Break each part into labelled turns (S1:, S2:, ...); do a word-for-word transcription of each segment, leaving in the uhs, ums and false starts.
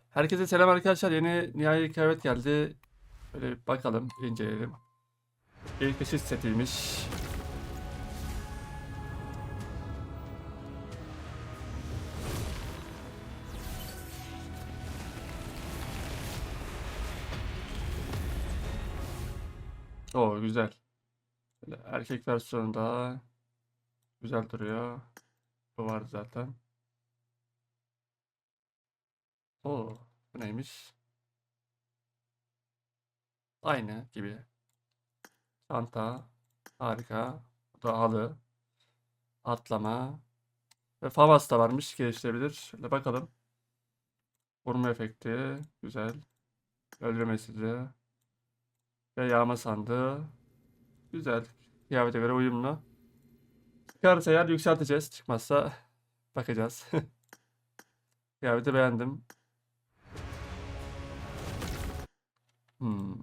S1: Herkese selam arkadaşlar. Yeni nihai kıyafet geldi. Böyle bir bakalım, inceleyelim. İlk ışık setiymiş. Oo güzel. Böyle erkek versiyonu da güzel duruyor. Bu vardı zaten. Oo bu neymiş? Aynı gibi. Çanta. Harika. Bu da halı. Atlama. Ve Favas da varmış. Geliştirebilir. Şöyle bakalım. Vurma efekti. Güzel. Öldürme sizi. Ve yağma sandığı. Güzel. Kıyafete göre uyumlu. Çıkarsa eğer yükselteceğiz. Çıkmazsa bakacağız. Kıyafeti beğendim. Hmm.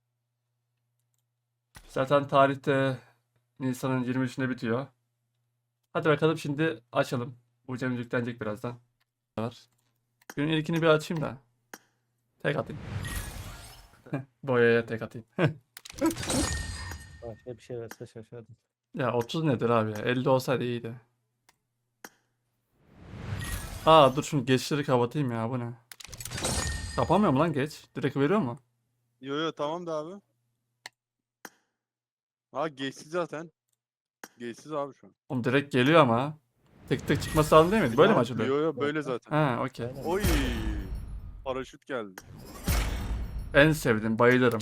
S1: Zaten tarihte Nisan'ın yirmi üçünde bitiyor. Hadi bakalım şimdi açalım. Ucumuz yüklenecek birazdan. Var. Günün ilkini bir açayım da. Tek atayım. Boyaya tek atayım.
S2: Başka bir şey verse şaşardım.
S1: Ya otuz nedir abi ya? elli olsaydı iyiydi. Aa dur şunu geçleri kapatayım ya, bu ne? Kapamıyor mu lan geç? Direkt veriyor mu?
S3: Yo yo tamam da abi. Ha geçti zaten. Geçsiz abi şu an.
S1: Oğlum direkt geliyor ama. Tık tık çıkması lazım değil mi? Böyle mi açılıyor?
S3: Yo yo böyle zaten.
S1: Ha okey.
S2: Aynen.
S3: Oy. Paraşüt geldi.
S1: En sevdiğim, bayılırım.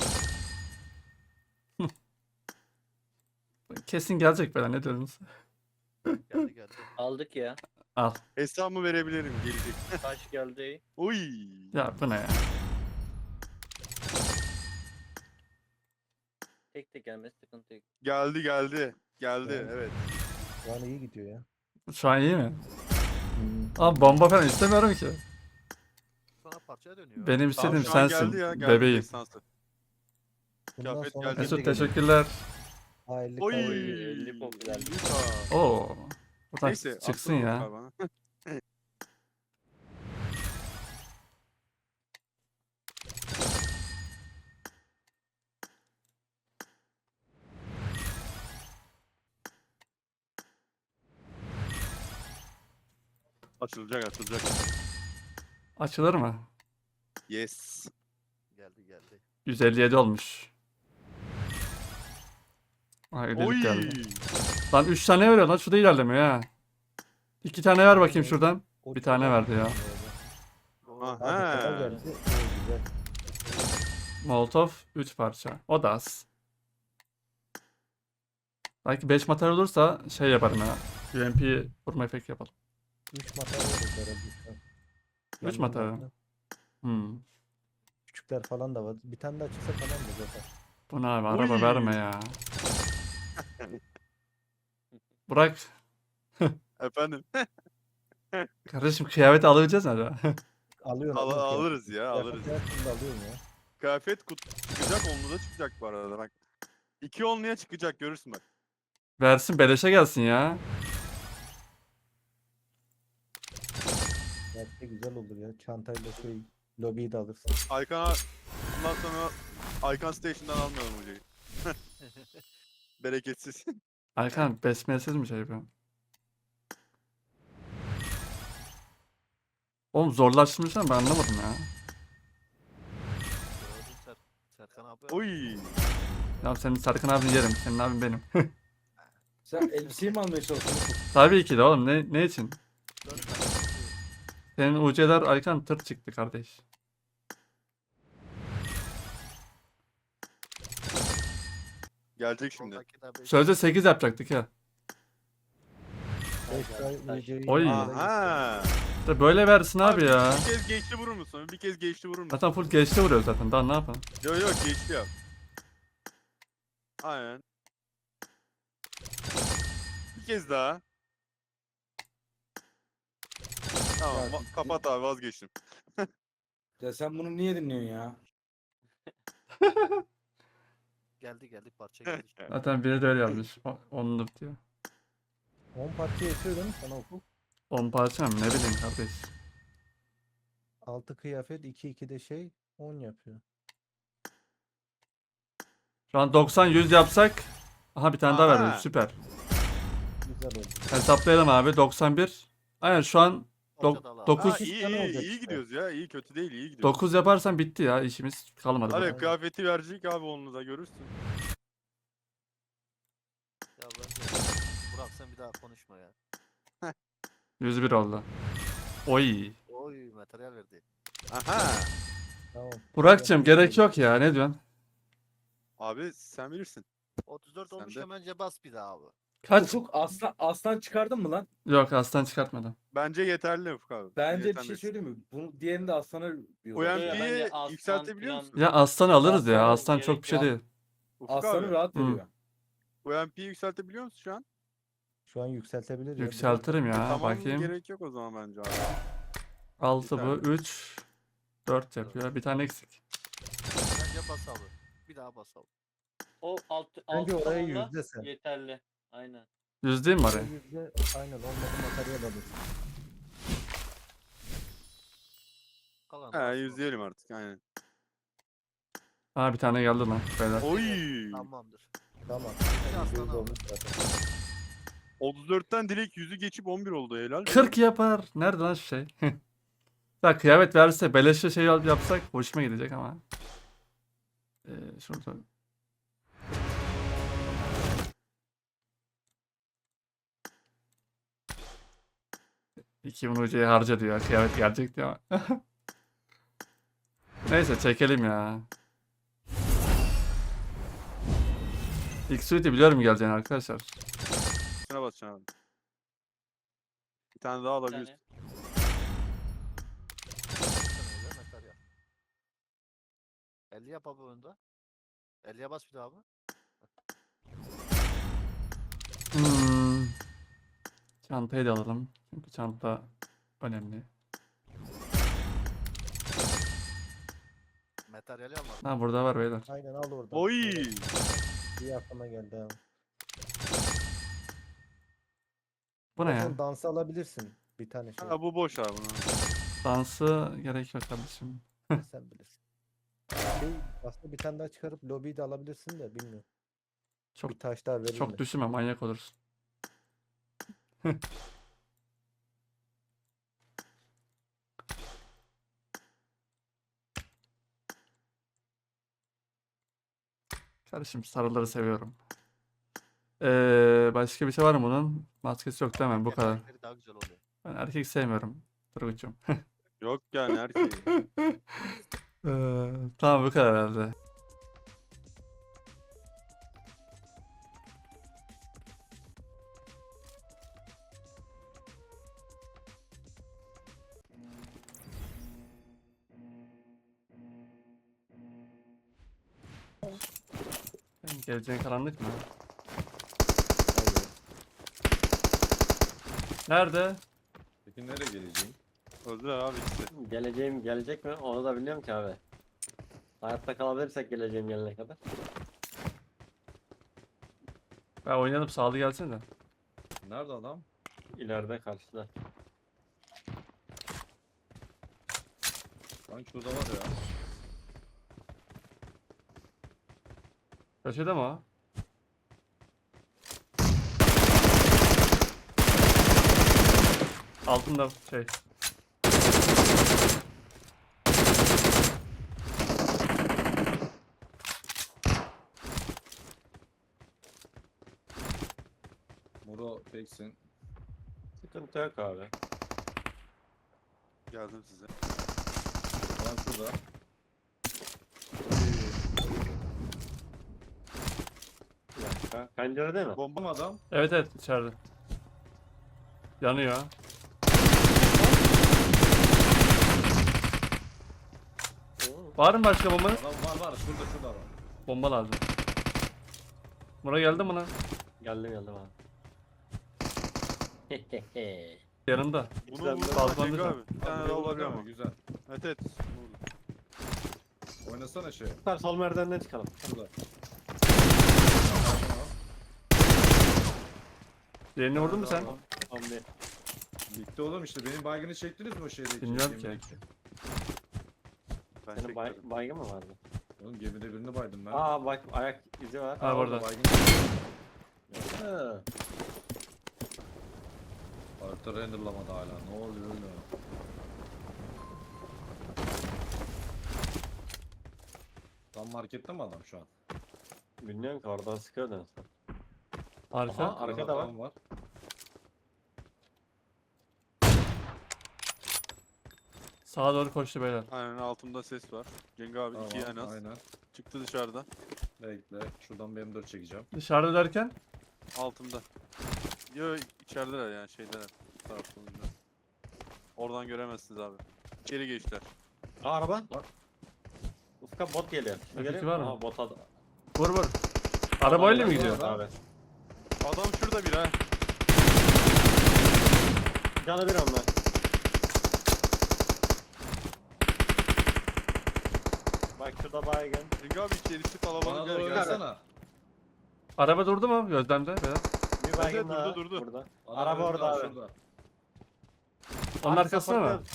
S1: Kesin gelecek böyle, ne diyorsunuz?
S4: Geldi geldi.
S5: Aldık ya.
S1: Al.
S3: Hesabımı verebilirim gelecek.
S5: Taş geldi.
S3: Oy.
S1: Ya bu ne ya?
S5: Tek tek gelmesi sıkıntı yok.
S3: Geldi geldi. Geldi
S2: Yani-
S3: evet.
S2: Şu an iyi gidiyor ya.
S1: Şu an iyi mi?
S2: Hmm.
S1: Abi bomba falan istemiyorum ki.
S4: Sana parçaya dönüyor.
S1: Benim
S3: Tamam,
S1: istediğim
S3: şu an
S1: sensin.
S3: geldi ya. Geldi
S1: Bebeğim.
S3: destansı.
S2: Bundan
S3: Kıyafet
S2: sonra
S3: geldi.
S2: kim
S1: Mesut
S2: de gelir?
S1: teşekkürler.
S2: Hayırlı
S3: Oy.
S2: kavga.
S5: elli popüler.
S3: Lütfen.
S1: Oo. Buradan
S3: Neyse.
S1: çıksın
S3: aklım
S1: ya.
S3: yok abi bana. Açılacak açılacak.
S1: Açılır mı?
S3: Yes.
S4: Geldi geldi.
S1: yüz elli yedi olmuş. Ay
S3: Oy.
S1: ödedik geldi. Lan üç tane veriyor lan, şu da ilerlemiyor ha. iki tane ver bakayım şuradan.
S2: O
S1: Bir tane
S2: çok
S1: verdi ya.
S2: iyi
S3: Aha.
S2: oldu. Abi kral geldi. İyi, güzel.
S1: Molotov üç parça. O da az. Belki beş materyal olursa şey yaparım ya. U M P vurma efekti yapalım.
S2: Üç materyal oldu herhalde şu an.
S1: Üç
S2: Yandan
S1: materyal.
S2: baktım.
S1: Hmm.
S2: Küçükler falan da var. Bir tane daha çıksa tamam da zaten.
S1: Bu ne abi, araba
S3: Oy.
S1: verme ya. Burak.
S3: Efendim.
S1: Kardeşim kıyafeti alabileceğiz mi acaba?
S2: Alıyorsun.
S3: Al-
S2: alıyorsun kıyafet.
S3: alırız ya alırız.
S2: Kıyafet her türlü alıyorsun ya.
S3: Kıyafet kutu çıkacak, onlu da çıkacak bu arada bak. İki onluya çıkacak görürsün bak.
S1: Versin, beleşe gelsin ya.
S2: Gerçekten güzel olur ya. Çantayla şey lobiyi de alırsın.
S3: Aykan'a bundan sonra Aykan Station'dan almayalım hocayı. Bereketsiz.
S1: Erkan besmelesiz mi şey yapıyor? Oğlum zorlaştırmışlar, ben anlamadım ya.
S4: Gördün Ser Serkan abi.
S3: Oy.
S1: Ya senin Serkan abini yerim. Senin abin benim.
S6: Sen elbiseyi mi almaya çalışıyorsun?
S1: Tabii ki de oğlum, ne, ne için?
S4: Dört
S1: Senin U C'ler Aykan tır çıktı kardeş.
S3: Gelecek şimdi.
S4: Soldaki de beş.
S1: Sözde sekiz yapacaktık ya.
S2: beş
S5: Taş,
S2: ay
S5: taş.
S2: UC'yi
S1: Oy.
S3: Aha.
S1: İşte böyle versin abi ya.
S3: Bir kez geçti vurur musun? Bir kez geçti vurur musun?
S1: Zaten full geçti vuruyor zaten. Daha ne yapalım?
S3: Yok yok geçti ya. Aynen. Bir kez daha. Tamam
S6: Ya,
S3: va- kapat abi vazgeçtim.
S6: Ya sen bunu niye dinliyorsun ya?
S4: Geldi geldi parça geldi.
S1: Zaten biri de öyle yazmış. O- Onluk diyor.
S2: on parça yetiyor değil mi sana okul?
S1: on parça mı? Ne bileyim kardeş.
S2: altı kıyafet iki iki de şey on yapıyor.
S1: Şu an doksan yüz yapsak. Aha bir tane daha
S3: Aha.
S1: verdim. Süper.
S2: Güzel oldu.
S1: Hesaplayalım abi. doksan bir. Aynen şu an
S4: Ortada al abi.
S1: dokuz-
S3: Ha,
S2: Dokuz
S3: iyi
S2: tane
S3: iyi
S2: olacak
S3: iyi
S2: işte.
S3: gidiyoruz ya. İyi kötü değil iyi gidiyoruz.
S1: dokuz yaparsan bitti ya. İşimiz kalmadı.
S3: Hadi
S1: burada.
S3: kıyafeti verecek abi onu da görürsün.
S4: Ya bence Burak sen bir daha konuşma ya.
S1: yüz bir oldu. Oy.
S4: Oy materyal verdi.
S3: Aha.
S2: Tamam.
S1: Burak'cığım gerek yok ya. Ne diyorsun?
S3: Abi sen bilirsin.
S4: otuz dört
S3: Sen
S4: olmuş
S3: de.
S4: bence bas bir daha abi.
S1: Kaç?
S6: Ufuk aslan, aslan çıkardın mı lan?
S1: Yok aslan çıkartmadım.
S3: Bence yeterli Ufuk abi.
S6: Bence bir
S3: Yeterli.
S6: şey söyleyeyim mi? Bunu diğerini de aslana
S3: O
S6: diyorlar.
S5: Ya
S3: M P'yi
S5: bence aslan
S3: yükseltebiliyor
S5: falan-
S3: musun?
S1: Ya aslan alırız ya.
S5: Aslan
S1: Aslan çok
S5: gerek
S1: bir şey
S5: yok.
S1: değil.
S3: Ufuk
S6: Aslanı
S3: abi.
S6: rahat
S1: Hı.
S6: veriyor.
S3: O M P'yi yükseltebiliyor musun şu an?
S2: Şu an yükseltebilir ya.
S1: Yükseltirim ya.
S3: tamam
S1: Bakayım.
S3: gerek yok o zaman bence abi.
S1: altı bu.
S3: Yeterli.
S1: üç. dört yapıyor. Bir tane eksik.
S4: Bence bas abi. Bir daha bas abi.
S5: O alt,
S2: Bence
S5: alt
S2: oraya
S5: tavanla
S2: yüzde sen.
S5: yeterli. Aynen.
S1: Yüz değil mi
S2: Oraya
S1: oraya?
S2: yüzde aynen olmadı materyal alır.
S4: Kalan
S3: He yüzleyelim artık aynen.
S1: Aa bir tane geldi lan. Beyler.
S3: Oy.
S4: Tamamdır.
S2: Tamam.
S4: Bir aslan
S2: yüzde
S4: abi.
S2: olmuş zaten.
S3: otuz dörtten direkt yüzü geçip on bir oldu helal.
S1: kırk yapar. Nerede lan şu şey? Ya kıyafet verse beleşe şey yap- yapsak hoşuma gidecek ama. Ee, şurada. iki bin hocayı harca diyor. Kıyafet gelecek diyor ama. Neyse çekelim ya. İlk suite'i biliyorum geleceğini arkadaşlar.
S3: Şuna basacaksın abi. Bir tane daha
S5: Bir
S3: alabilirsin.
S5: tane.
S4: Sen öyle materyal. elli yap abi önde. elliye bas bir daha abi.
S1: Hmm. Çantayı da alalım. Çünkü çanta önemli.
S4: Materyali almadım.
S1: Ha burada var beyler.
S2: Aynen al oradan.
S3: Oy.
S2: Evet, İyi aklıma geldi abi.
S1: Bu ne ya?
S2: Zaten dansı alabilirsin. Bir tane şey.
S3: Ha bu boş abi bunu.
S1: Dansı gerek yok kardeşim.
S2: Sen bilirsin. Şey, aslında bir tane daha çıkarıp lobiyi de alabilirsin de bilmiyorum.
S1: Çok
S2: Bir taş daha verir
S1: çok
S2: mi?
S1: düşünme manyak olursun. Kardeşim sarıları seviyorum. Ee, başka bir şey var mı bunun? Maskesi yok değil mi? Bu kadar.
S4: Erkekleri daha güzel oluyor.
S1: Ben erkek sevmiyorum. Turgut'cum.
S3: Yok yani erkeği.
S1: Ee, tamam bu kadar herhalde. Benim geleceğin karanlık mı?
S2: Hayır.
S1: Nerede?
S6: Peki nereye geleceğim?
S3: Öldüler abi ikisi.
S5: Geleceğim gelecek mi? Onu da biliyorum ki abi. Hayatta kalabilirsek geleceğim gelene kadar.
S1: Ben oynayalım sağlı gelsene de.
S6: Nerede adam?
S5: İleride karşıda.
S6: Sanki şurada var ya.
S1: Köşede mi o? Altında şey.
S6: Muro peksin.
S5: Sıkıntı yok abi.
S3: Geldim size.
S6: Adam şurada.
S5: Bir dakika. Pencerede mi?
S6: Bomba mı adam?
S1: Evet evet içeride. Yanıyor.
S5: Oo,
S1: Var mı başka bombanız?
S6: Adam var var şurada şurada var.
S1: Bomba lazım. Buna geldi mi lan?
S5: Geldim geldim abi.
S1: Yanında.
S3: Bunu
S5: Güzel,
S3: vurdu
S1: fazla
S3: Cenk
S1: mı?
S3: abi. Bir tane daha olabilir ama.
S6: Güzel.
S3: Evet evet. Vurdu.
S6: Oynasana şey.
S5: Süper sol merdivenden çıkalım.
S6: Şurada.
S1: Diğerini vurdun mu sen?
S5: Tamam bir.
S6: Bitti oğlum işte benim baygını çektiniz mi o şeydeki?
S1: Bilmiyorum ki.
S6: gemideki?
S3: Ben
S5: Senin bay,
S3: çekmedim.
S5: baygın mı vardı?
S6: Oğlum gemide birini baydım ben.
S5: Aa bak ayak izi var.
S1: Ha, burada.
S6: Baygın.
S5: Hı.
S6: Harita renderlamadı hala. Ne oluyor öyle? Tam markette mi adam şu an?
S5: Bilmiyorum ki oradan sıkıyor en son.
S1: Arka.
S5: Aha, arkada var.
S6: Adam var.
S1: Sağa doğru koştu beyler.
S3: Aynen altımda ses var. Cengi abi
S6: Tamam,
S3: iki en az.
S6: aynen.
S3: Çıktı dışarıdan.
S6: Bekle. Şuradan bir M dört çekeceğim.
S1: Dışarıda derken
S3: Altımda. Yo içerideler yani şeydeler. Bu taraflarında. Oradan göremezsiniz abi. İçeri geçtiler.
S5: Aa araba.
S6: Bak.
S5: Ufka bot geliyor. Şu
S1: Öteki
S5: geliyor.
S1: var mı?
S5: Aha bot ad-
S1: vur vur. Arabayla mı
S6: Adam-
S1: gidiyor?
S6: Adam-
S5: Abi.
S3: Adam şurada bir ha.
S5: Canı bir onlar. Bak şurada baygın.
S3: Cengi abi içerisi kalabalık
S6: Bana
S3: gel
S6: doğru
S3: gel.
S6: oynasana.
S1: Araba durdu mu gözlemde beyler?
S5: Bir baygın
S3: evet,
S5: daha.
S3: durdu, durdu.
S5: Burada.
S6: Adam
S5: Araba
S6: önünde,
S5: orada abi.
S6: şurada.
S1: Onun
S5: Abi
S1: arkasına mı?
S5: sapıttın.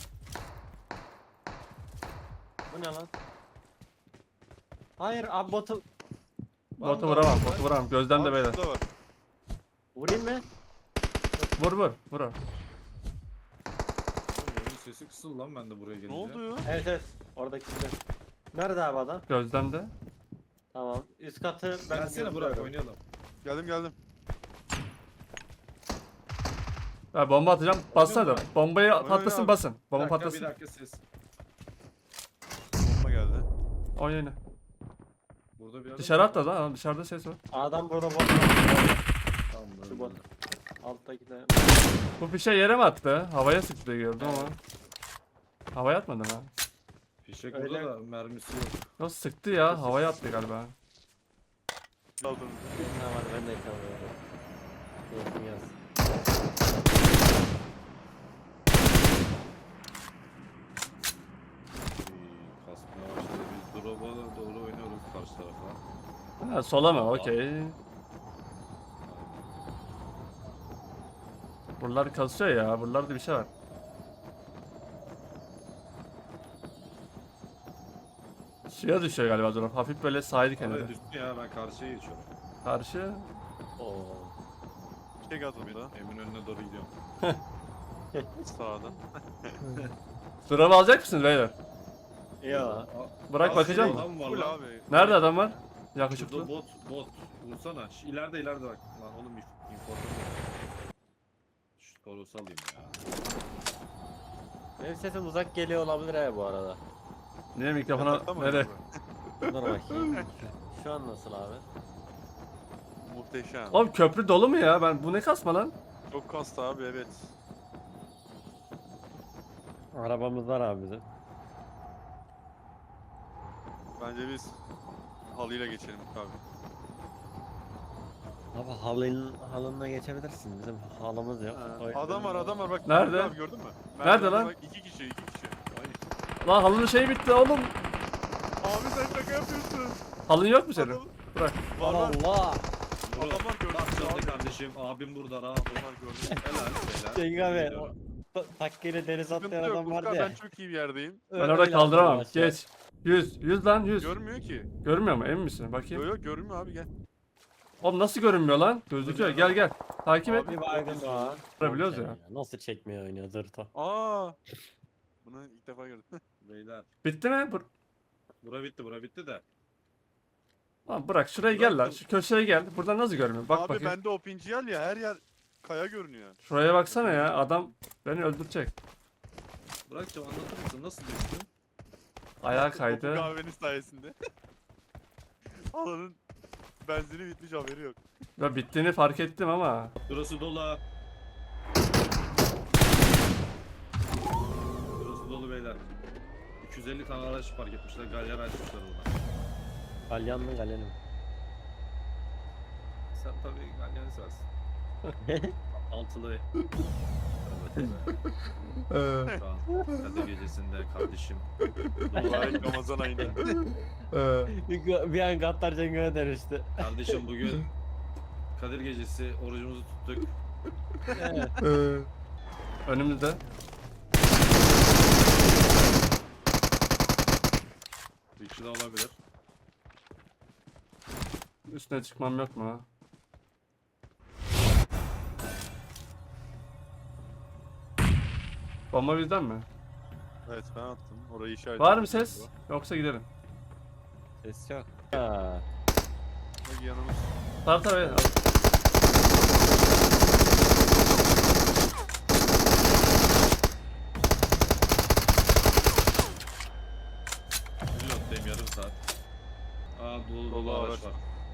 S5: Bu ne lan? Hayır abi botu
S1: Botu vuramam, botu vuramam. Gözlemde
S3: Abi
S1: beyler.
S3: şurada var.
S5: vurayım mı?
S1: Vur vur, vur.
S6: Oğlum, oyunun sesi kısıldı lan ben de buraya gelince.
S3: Ne oldu ya?
S5: Evet evet. Oradaki silah. Nerede abi adam?
S1: Gözlemde.
S5: Tamam. Üst katı ben
S6: Gelsene Burak
S5: görüyorum.
S6: oynayalım.
S3: Geldim geldim.
S1: Ya bomba atacağım. Bassana da.
S6: Oynuyor mu?
S1: Bombayı
S3: Oynuyor
S1: patlasın
S3: abi.
S1: basın.
S6: Bir
S1: Bomba
S6: dakika,
S1: patlasın.
S6: Bir dakika ses.
S3: Bomba geldi.
S1: Oynayın.
S6: Burada bir adam
S1: Dışarı
S6: var.
S1: atla lan. Dışarıda ses var.
S5: Adam burada bot.
S6: Tamam,
S5: Şu
S6: öyle.
S5: bot. Alttaki de.
S1: Bu fişe yere mi attı? Havaya sıktı diye gördüm ama. Havaya atmadı ha.
S6: Fişek
S5: Öyle.
S6: burada da mermisi yok.
S1: Yok sıktı ya. Havaya attı galiba.
S3: Aldım.
S5: Ne var ben de yakalıyorum. Keyfim yaz.
S6: İyi, kasmaya başladı. Biz drop'a doğru oynuyoruz karşı tarafa.
S1: Ha, sola mı? Okey. Buralar kasıyor ya. Buralarda bir şey var. Suya düşüyor galiba drop. Hafif böyle sahil kenarı.
S6: Evet üstü ya ben karşıya geçiyorum.
S1: Karşı.
S5: Oo.
S3: Çek atımda.
S6: Emin önüne doğru gidiyorum.
S3: Sağdan.
S1: Drop alacak mısınız beyler?
S5: Ya.
S6: Aa,
S1: Bırak
S6: aa,
S1: bakacağım
S6: şurada
S1: mı?
S6: adam var
S3: Full
S6: lan.
S3: abi.
S1: Nerede adam var?
S6: Şurada
S1: Yakışıklı.
S6: bot bot. Vursana. Şu ileride ileride bak. Lan oğlum inf- informasyon. Şu torusu alayım ya.
S5: Benim sesim uzak geliyor olabilir he bu arada.
S1: Niye mikrofona?
S3: Atamadım
S1: Nereye?
S3: ben.
S5: Dur bakayım. Şu an nasıl abi?
S3: Muhteşem.
S1: Oğlum köprü dolu mu ya? Ben bu ne kasma lan?
S3: Çok kastı abi evet.
S5: Arabamız var abi bizim.
S3: Bence biz halıyla geçelim abi.
S5: Abi halının halınla geçebilirsin. Bizim halımız yok. O yüzden-
S3: Adam var adam var bak.
S1: Nerede?
S3: Abi gördün mü?
S1: Nerede
S3: Merdivende
S1: lan?
S3: Bak, iki kişi iki kişi.
S1: Lan halının şeyi bitti oğlum.
S3: Abi sen şaka yapıyorsun.
S1: Halın yok mu senin?
S3: Adam-
S1: Bırak.
S3: Var var.
S5: Allah!
S3: Adamlar gördü.
S6: Bak canlı
S3: Abi.
S6: kardeşim. Abim burada rahat.
S3: Adamlar gördü.
S6: Helal helal.
S5: Cenk abi.
S6: Gidiyorum.
S5: o ta- Takkeyle deniz
S3: Sıkıntı
S5: atlayan
S3: yok.
S5: adam
S3: Ufka,
S5: vardı ya.
S3: ben çok iyi bir yerdeyim.
S1: Ben orada kaldıramam. Geç. yüz. yüz lan yüz.
S3: Görmüyor ki.
S1: Görmüyor mu? Emin misin?
S3: Yok
S1: Bakayım.
S3: yok görmüyor abi gel.
S1: Oğlum nasıl görünmüyor lan? Gözüküyor. Gel gel. Takip et.
S5: Bir baygın daha.
S1: Görebiliyoruz ya.
S5: Nasıl çekmiyor oynuyor zırto.
S3: Aa. Bunu ilk defa gördüm.
S6: Beyler.
S1: Bitti mi? Bur
S6: Bura bitti bura bitti de.
S1: Lan bırak şuraya gel lan. Şu köşeye gel. Buradan nasıl görünüyor? Bak
S3: abi
S1: bakayım.
S3: bende o pinciyel ya her yer kaya görünüyor.
S1: Şuraya baksana ya. Adam beni öldürecek.
S6: Burak'cığım anlatır mısın nasıl düştün?
S1: Ayağa
S3: Topu
S1: kaydı.
S3: kahvenin sayesinde. Alanın benzini bitmiş haberi yok.
S1: Ve bittiğini fark ettim ama.
S6: Burası dolu. Burası dolu beyler. iki yüz elli tane araç park etmişler. Galyer açmışlar orada.
S5: Galyan mı galyan mı?
S6: Sen tabii Galyan'ı seversin. Altılı. Evet, evet. Şu an Kadir gecesinde kardeşim.
S3: Mübarek Ramazan ayında.
S5: bir, bir an Gattar Cenk'e dönüştü.
S6: Kardeşim bugün Kadir gecesi orucumuzu tuttuk.
S1: Önümüzde.
S6: de olabilir.
S1: Üstüne çıkmam yok mu? Bomba bizden mi?
S3: Evet ben attım. Orayı işaret
S1: Var mı ses? Yoksa gidelim.
S5: Ses yok. Ha.
S3: Bak yanımız.
S1: Tabii tabii.
S6: Reload'dayım yarım saat. Aa dolu dolu
S3: Dolu
S6: araç
S3: araç.
S6: var.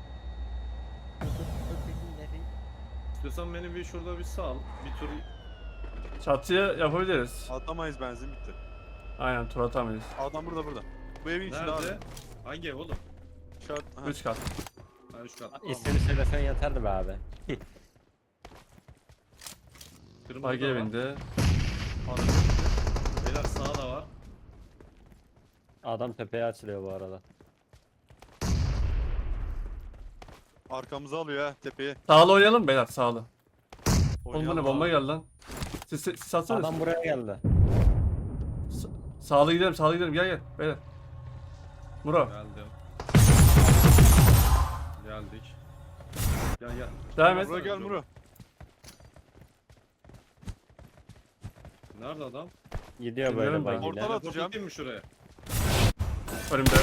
S6: İstiyorsan beni bir şurada bir sal. Bir tur
S1: Çatıya yapabiliriz.
S3: Atamayız, benzin bitti.
S1: Aynen, tur atamayız.
S3: Adam burada burada. Bu evin içinde abi.
S6: nerede? Hangi ev oğlum?
S3: İşaret. Aha.
S1: üç kat.
S6: Ha üç kat. Tamam.
S5: İsmini söylesen yeterdi be abi.
S6: Kırmızı
S1: Bagi
S6: da var.
S1: bindi.
S6: Beyler sağda var.
S5: Adam tepeye açılıyor bu arada.
S3: Arkamıza alıyor ha tepeye.
S1: Sağlı oynayalım beyler, sağlı. Oğlum bu ne,
S3: Oynayalım
S1: bomba
S3: abi.
S1: geldi lan. Siz, siz, siz atsanız.
S5: Adam buraya geldi.
S1: Sağlı gidelim, sağlı gidelim, gel gel beyler. Muro,
S6: Geldim. Geldik. Gel gel.
S1: devam et.
S3: Muro gel Muro.
S6: Nerede adam?
S5: Gidiyor
S1: Bilmiyorum
S5: böyle
S1: ben.
S5: bagiyle.
S3: Ortada-
S6: Teleport
S3: atacağım.
S6: atayım mı şuraya?
S1: Önümde.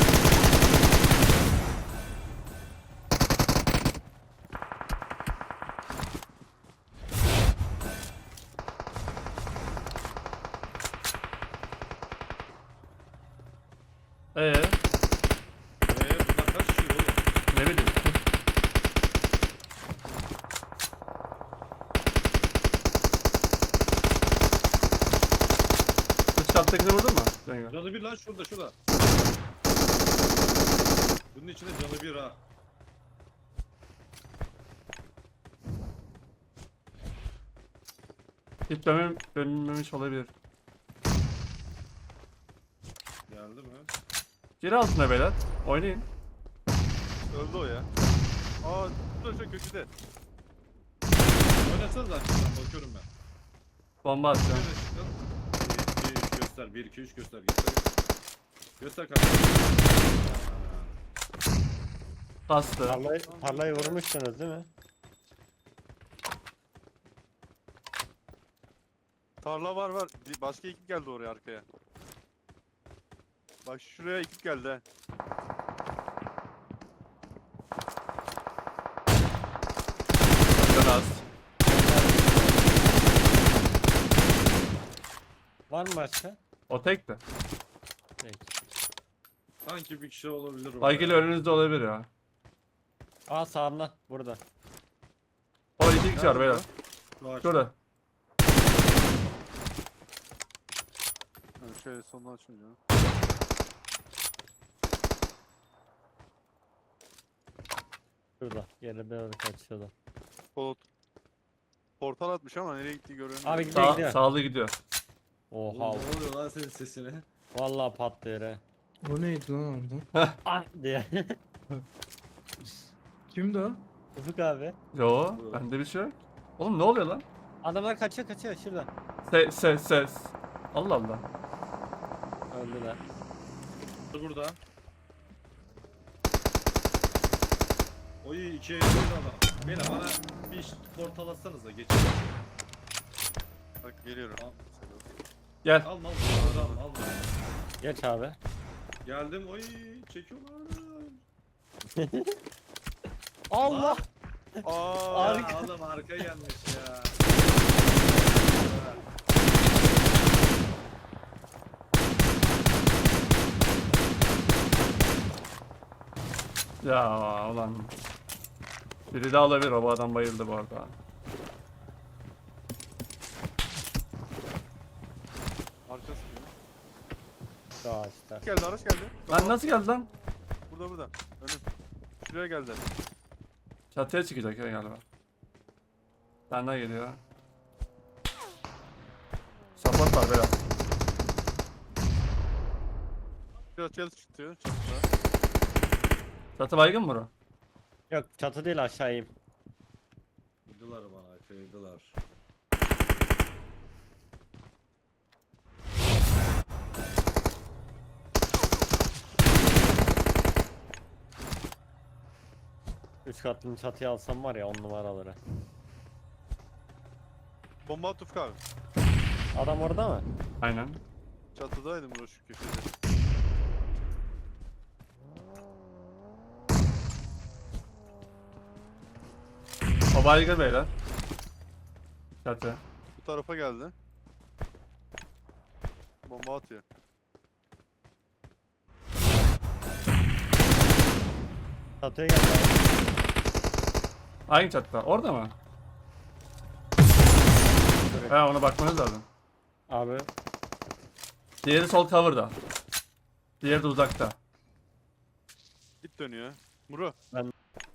S1: Ee,
S6: Eee bunlar kaç kişi oğlum?
S1: ne bileyim. Üç kattakini vurdun mu? Cengo.
S6: Canı bir lan şurada şurada. Bunun içinde canı bir ha.
S1: Hiç dönmem, dönmemiş olabilir.
S6: Geldi mi?
S1: Geri altına beyler. Oynayın.
S3: Öldü o ya. Aa dur şu köşede.
S6: Oynasanız zaten ben bakıyorum ben.
S1: Bomba atacağım.
S6: Şöyle çıkın. bir, iki, üç göster. bir, iki, üç göster. Göster. Göster kanka.
S1: Bastı.
S5: Tarlayı, tarlayı vurmuşsunuz değil mi?
S3: Tarla var var. Bir başka ekip geldi oraya arkaya. Bak şuraya ekip geldi ha.
S1: Can az.
S5: Var mı başka?
S1: O tekti.
S5: Peki.
S6: Sanki bir kişi olabilir orada.
S1: Baygili önünüzde olabilir ya.
S5: Aa sağımda. Burada.
S1: O iki kişi var beyler.
S6: Şu ağaç.
S1: Şurada.
S3: Yani şöyle sondan açınca.
S5: Şurada. Geri doğru kaçıyordu.
S3: Polat. Portal atmış ama nereye gittiği görünmüyor.
S5: Abi gidiyor
S1: Sağ,
S5: gidiyor.
S1: sağlı gidiyor.
S6: Oğlum,
S5: Oha.
S6: ne oluyor lan senin sesine?
S5: Vallahi patlıyor he.
S7: O neydi lan orada?
S5: Ah diye.
S7: Kimdi o?
S5: Ufuk abi.
S1: Yo, bende bir şey yok. Oğlum ne oluyor lan?
S5: Adamlar kaçıyor kaçıyor şurada.
S1: Ses ses ses. Allah Allah.
S5: Öldüler.
S6: Burada. Oy ikiye yürüdü adam. Beyler bana bir iş portal atsanıza geçin.
S3: Bak geliyorum.
S6: Al.
S1: Gel.
S6: Al mal. Adam al.
S5: Geç abi.
S6: Geldim. Oy çekiyorlar.
S5: Allah.
S3: Aa,
S6: Ya
S5: Arka.
S6: adam arka gelmiş ya.
S1: Ya ulan. Biri daha olabilir, o bu adam bayıldı bu arada.
S3: arkası gibi.
S5: Şu ağaçta.
S3: Geldi araç geldi.
S1: Lan nasıl geldi lan?
S3: Burada burada. Önüm. Şuraya geldi.
S1: Çatıya çıkacak ya galiba. Benden geliyor. Support var beyler.
S3: Biraz çatı çıkıyor. Çatıda.
S1: Çatı baygın mı bro?
S5: Yok çatı değil aşağıyım.
S6: Kıydılar bana kıydılar.
S5: Üç katlı çatıya alsam var ya on numaraları.
S3: Bomba at Ufuk abi.
S5: Adam orada mı?
S1: Aynen.
S3: Çatıdaydım bro şu köşede.
S1: O baygın beyler. Çatı.
S3: Bu tarafa geldi. Bomba atıyor.
S5: Çatıya geldi abi.
S1: Aynı çatıda. Orada mı? He ona bakmanız lazım.
S5: Abi
S1: Diğeri sol cover'da. Diğeri de uzakta.
S3: Git dönüyor. Muro.
S5: Ben-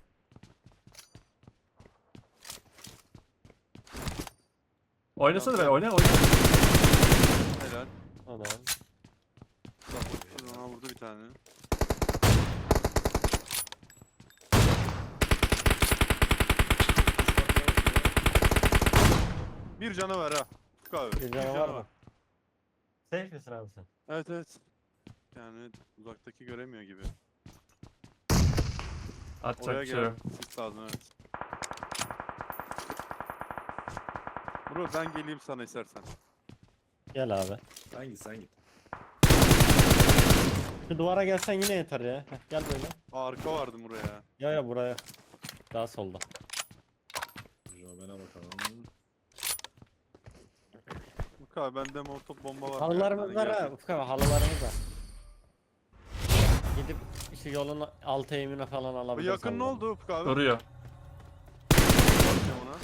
S1: Oynasana be oyna oyna.
S3: Helal.
S5: adam.
S3: Tamam. Vurdu bir tane. Bir canavar ha. Ufuk abi.
S5: Bir canavar mı? Safe misin abi sen?
S3: Evet evet. Yani uzaktaki göremiyor gibi.
S1: Atacak
S3: Oraya
S1: bir şey
S3: gelen
S1: yok.
S3: sis lazım evet. Bro ben geleyim sana istersen.
S5: Gel abi.
S6: Sen git sen git.
S5: Şu duvara gelsen yine yeter ya. Heh, gel böyle.
S3: Aa, arka vardı buraya.
S5: Ya ya buraya. Daha solda.
S6: Robben'e bakalım.
S3: Ufuk abi bende molotof bomba var.
S5: Halılarımız
S3: Yani
S5: var ha.
S3: gelecek.
S5: Ufuk abi halılarımız var. Gidip şu yolun altı eğimine falan
S3: Bu
S5: alabiliriz.
S3: yakın ne
S5: halıları.
S3: oldu Ufuk abi?
S1: Duruyor.
S3: Bakacağım ona.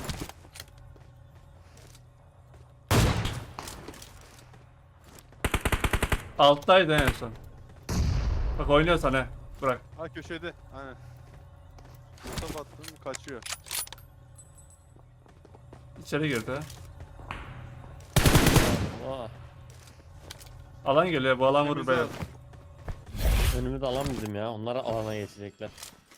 S1: Alttaydı en son. Bak oynuyor sana. Bırak.
S3: Ha köşede. Aynen. Molotof attım kaçıyor.
S1: İçeri girdi.
S5: Oha.
S1: Alan geliyor. Bu alan vurur
S3: Temize
S1: beyler.
S3: at.
S5: Önümü de alamaydım ya. Onlar alana geçecekler.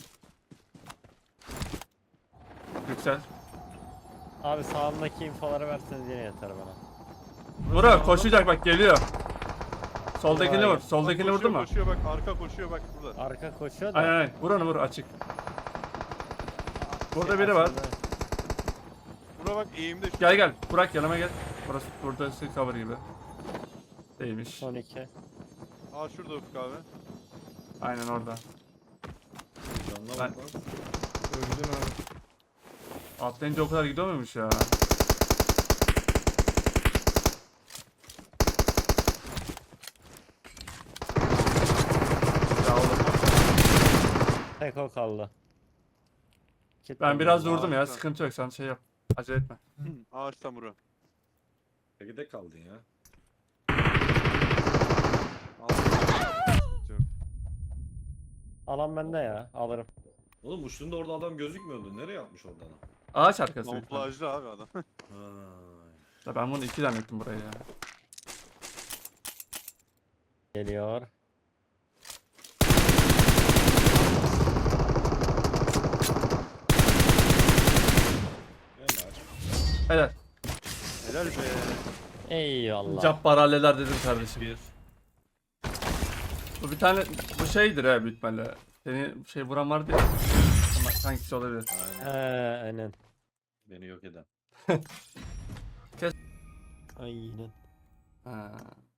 S1: Yüksel.
S5: Abi sağımdaki infoları verseniz yine yeter bana.
S1: Vur koşacak bak geliyor. Soldakini vur.
S5: Bak,
S1: Soldakini
S3: Bak,
S1: vurdu mu?
S3: Koşuyor bak arka koşuyor bak burada.
S5: Arka koşuyor da.
S1: Aynen aynen. Vur onu vur açık. Burada biri var.
S5: Aslında
S3: Buna bak eğimde şu.
S1: Gel gel. Burak yanıma gel. Burası burada cover gibi. Değilmiş.
S5: Son iki.
S3: Aa şurada Ufuk abi.
S1: Aynen orada.
S6: Canına
S1: Ben-
S6: bak lan.
S7: Öldün abi.
S1: Atlayınca o kadar gidiyor muymuş ya? Ya oğlum.
S5: Tek o kaldı. Kit
S1: Ben biraz
S5: buldum.
S1: durdum ya.
S3: Harika.
S1: Sıkıntı yok. Sen şey yap. Acele etme.
S3: Ağaçta Muro.
S6: Peki de kaldın ya.
S3: Al. Sıkıntı yok.
S5: Alan bende ya. Alırım.
S6: Oğlum uçtuğunda orada adam gözükmüyordu. Nereye atmış orada adam?
S1: Ağaç arkası. büyük ihtimalle.
S3: Kamuflajlı abi adam.
S6: Ha.
S1: Ya ben bunu iki zannettim burayı ya.
S5: Geliyor.
S6: Helal.
S1: Helal.
S3: Helal be.
S5: Eyvallah.
S1: Cabbar halleler dedim kardeşim.
S6: Bir.
S1: Bu bir tane bu şeydir ha büyük ihtimalle. Seni şey vuran vardı ya. Ama hangisi olabilir?
S5: He
S6: Aynen.
S5: aynen.
S6: Beni yok eden.
S5: Aynen.
S1: Ha.